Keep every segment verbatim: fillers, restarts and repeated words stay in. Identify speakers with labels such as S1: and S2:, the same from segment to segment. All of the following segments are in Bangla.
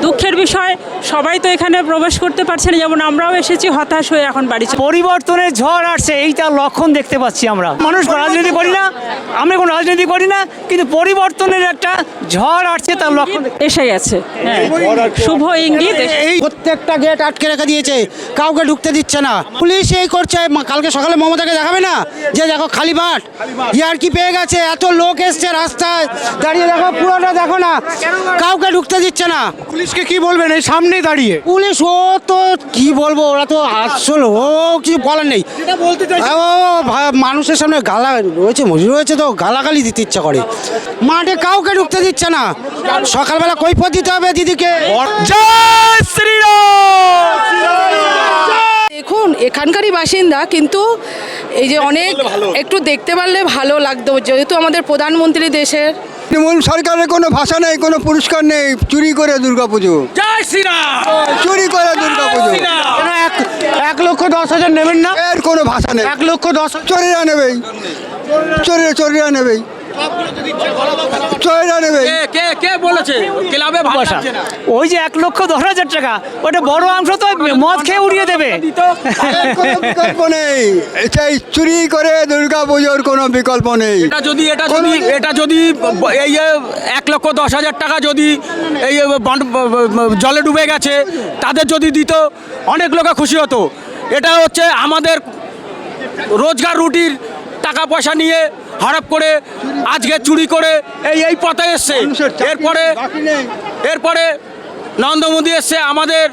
S1: দুঃখের বিষয় সবাই তো এখানে প্রবেশ করতে পারছে না, যেমন আমরাও এসেছি হতাশ হয়ে এখন বাড়ি চলে।
S2: পরিবর্তনের ঝড় আসছে, এইটার লক্ষণ দেখতে পাচ্ছি আমরা। মানুষ রাজনীতি করি না, আমি কোনো রাজনীতি করি না, কিন্তু পরিবর্তনের একটা ঝড় আসছে, তার লক্ষণ
S1: এসে গেছে। হ্যাঁ, শুভ ইঙ্গিত।
S3: এই প্রত্যেকটা গেট আটকে রেখে দিয়েছে, কাউকে ঢুকতে দিচ্ছে না। পুলিশ এই করছে, মা- কালকে সকালে মমতাকে দেখাবে না যে দেখো খালি মাঠ, ইয়ার কি পেয়ে গেছে, এত লোক এসছে রাস্তায় দাঁড়িয়ে, দেখো পুরোটা দেখো না, কাউকে ঢুকতে দিচ্ছে না।
S4: পুলিশকে কি বলবেন এই সামনে দাঁড়িয়ে?
S3: পুলিশ ও তো কি বলবো, ওরা তো আসল, ও কিছু বলার নেই। ও ভা- মানুষের সামনে গালা রয়েছে, মজুরি রয়েছে, তো গালাগালি দিতে ইচ্ছা করে। মাঠে কাউকে ঢুকতে দিচ্ছে না, সকালবেলা কৈফিয়ত দিতে হবে দিদিকে।
S4: জয় শ্রীরাম।
S5: দেখুন, এখানকারই বাসিন্দা, কিন্তু এই যে অনেক একটু দেখতে পারলে ভালো লাগতো, যেহেতু আমাদের প্রধানমন্ত্রী দেশের।
S6: তৃণমূল সরকারের কোনো ভাষা নেই, কোনো পুরস্কার নেই, চুরি করে দুর্গাপুজো,
S4: জয় শ্রীরাম।
S6: চুরি করে দুর্গাপুজো,
S3: কেন এক এক লক্ষ দশ হাজার নেবেন না?
S6: এর কোনো ভাষা নেই।
S3: এক লক্ষ দশ
S6: চোরেরা নেবেই, চোরেরা চোরেরা নেবেই, চোরেরা নেবেই।
S4: কে কে কে বলেছে ক্লাবে ভালো
S2: পয়সা
S4: লাগছে না?
S2: ওই যে এক লক্ষ দশ হাজার টাকা, ওটা বড় অংশ তো মদ খেয়ে উড়িয়ে দেবে।
S6: এর কোনো বিকল্প নেই, সেই চুরি করে দুর্গাপুজোর কোনো বিকল্প নেই।
S4: এটা যদি এটা যদি এটা যদি এই যে এক লক্ষ দশ হাজার টাকা যদি এই বন্ড- জলে ডুবে গেছে তাদের যদি দিত, অনেক লোকে খুশি হতো। এটা হচ্ছে আমাদের রোজগার রুটির টাকা পয়সা নিয়ে হড়প করে আজকে চুরি করে এই এই পথে এসছে। এরপরে এরপরে নরেন্দ্র মোদী এসছে আমাদের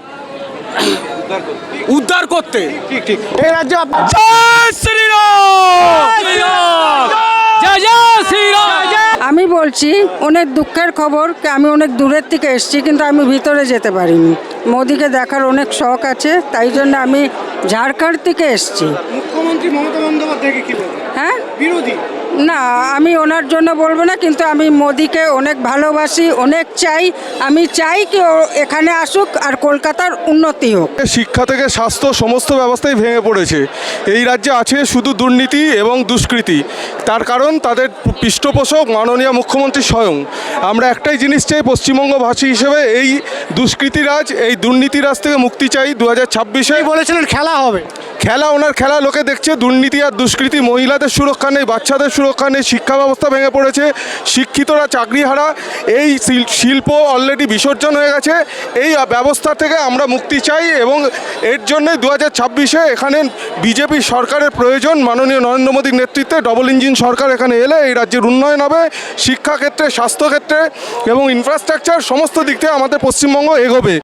S4: উদ্ধার করতে।
S3: এই রাজ্যে
S4: জয় শ্রীরাম। জয় জয় শ্রীরাম।
S7: আমি বলছি অনেক দুঃখের খবর, আমি অনেক দূরের থেকে এসেছি, কিন্তু আমি ভিতরে যেতে পারিনি। মোদিকে দেখার অনেক শখ আছে, তাই জন্য আমি ঝাড়খণ্ড থেকে এসেছি।
S3: মুখ্যমন্ত্রী মমতা বন্দ্যোপাধ্যায়কে কি বলবেন?
S7: হ্যাঁ,
S3: বিরোধী
S7: না আমি ওনার জন্য বলবো না, কিন্তু আমি মোদিকে অনেক ভালোবাসি, অনেক চাই। আমি চাই কি ও এখানে আসুক আর কলকাতার উন্নতি হোক।
S8: শিক্ষা থেকে স্বাস্থ্য সমস্ত ব্যবস্থাই ভেঙে পড়েছে। এই রাজ্যে আছে শুধু দুর্নীতি এবং দুষ্কৃতি। তার কারণ তাদের পৃষ্ঠপোষক মাননীয় মুখ্যমন্ত্রী স্বয়ং। আমরা একটাই জিনিস চাই পশ্চিমবঙ্গবাসী হিসেবে, এই দুষ্কৃতিরাজ, এই দুর্নীতিরাজ থেকে মুক্তি চাই। দু হাজার ছাব্বিশে
S3: বলেছিলেন খেলা হবে,
S8: খেলা, ওনার খেলা লোকে দেখছে। দুর্নীতি আর দুষ্কৃতি, মহিলাদের সুরক্ষা নেই, বাচ্চাদের সুরক্ষা নেই, শিক্ষা ব্যবস্থা ভেঙে পড়েছে, শিক্ষিতরা চাকরিহারা, এই শিল- শিল্প অলরেডি বিসর্জন হয়ে গেছে। এই ব্যবস্থা থেকে আমরা মুক্তি চাই এবং এর জন্য দু হাজার ছাব্বিশে এখানে বিজেপি সরকারের প্রয়োজন। মাননীয় নরেন্দ্র মোদীর নেতৃত্বে ডবল ইঞ্জিন সরকার এখানে এলে এই রাজ্যের উন্নয়ন হবে, শিক্ষাক্ষেত্রে, স্বাস্থ্যক্ষেত্রে এবং ইনফ্রাস্ট্রাকচার সমস্ত দিক থেকে আমাদের পশ্চিমবঙ্গ এগোবে।